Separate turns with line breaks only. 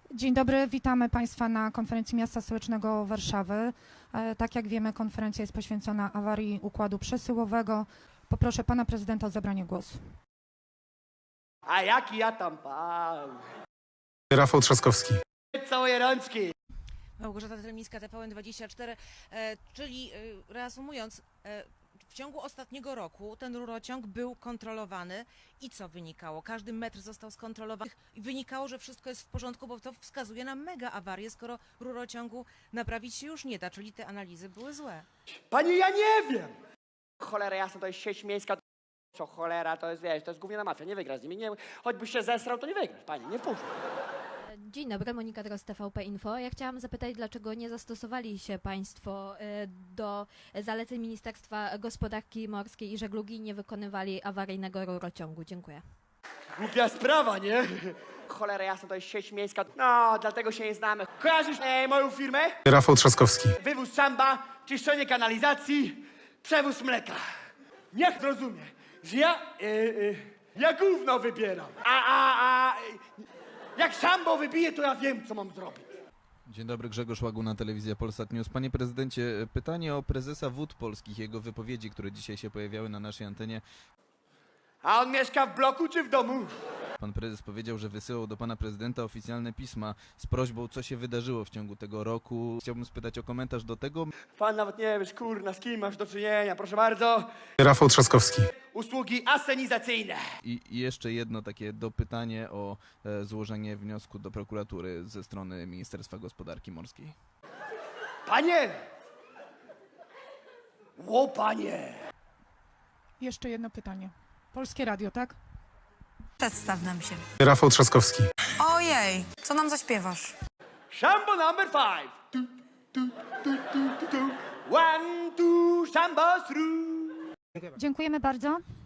Dzień dobry, witamy Państwa na konferencji Miasta Stołecznego Warszawy. Tak jak wiemy, konferencja jest poświęcona awarii układu przesyłowego. Poproszę Pana Prezydenta o zabranie głosu.
A jaki ja tam pan?
Rafał Trzaskowski.
Całe rączki.
Małgorzata Tremińska, TVN24, czyli reasumując, w ciągu ostatniego roku ten rurociąg był kontrolowany i co wynikało? Każdy metr został skontrolowany i wynikało, że wszystko jest w porządku, bo to wskazuje na mega awarię, skoro rurociągu naprawić się już nie da, czyli te analizy były złe.
Pani, ja nie wiem. Cholera jasna, to jest sieć miejska. Co cholera, to jest, wiesz, to jest gówniana mafia, nie wygra z nimi. Nie, choćbyś się zesrał, to nie wygrasz, pani, nie wpuszczę.
Dzień dobry, Monika Dros, TVP Info. Ja chciałam zapytać, dlaczego nie zastosowali się Państwo do zaleceń Ministerstwa Gospodarki Morskiej i Żeglugi i nie wykonywali awaryjnego rurociągu? Dziękuję.
Głupia sprawa, nie? Cholera jasna, to jest sieć miejska. No, dlatego się nie znamy. Kojarzysz moją firmę?
Rafał Trzaskowski.
Wywóz szamba, czyszczenie kanalizacji, przewóz mleka. Niech zrozumie, że ja gówno wybieram. Jak szambo wybije, to ja wiem, co mam zrobić.
Dzień dobry, Grzegorz Łaguna, Telewizja Polsat News. Panie prezydencie, pytanie o prezesa Wód Polskich, jego wypowiedzi, które dzisiaj się pojawiały na naszej antenie.
A on mieszka w bloku czy w domu?
Pan prezes powiedział, że wysyłał do pana prezydenta oficjalne pisma z prośbą, co się wydarzyło w ciągu tego roku. Chciałbym spytać o komentarz do tego.
Pan nawet nie wiesz, kurna, z kim masz do czynienia, proszę bardzo.
Rafał Trzaskowski.
Usługi asenizacyjne.
I jeszcze jedno takie dopytanie o złożenie wniosku do prokuratury ze strony Ministerstwa Gospodarki Morskiej.
Panie! Ło, panie!
Jeszcze jedno pytanie. Polskie Radio, tak?
Przedstaw nam się.
Rafał Trzaskowski.
Ojej, co nam zaśpiewasz?
Szambo number 5. Tu, tu, tu, tu, tu, tu. 1, 2, szambo through.
Dziękujemy bardzo.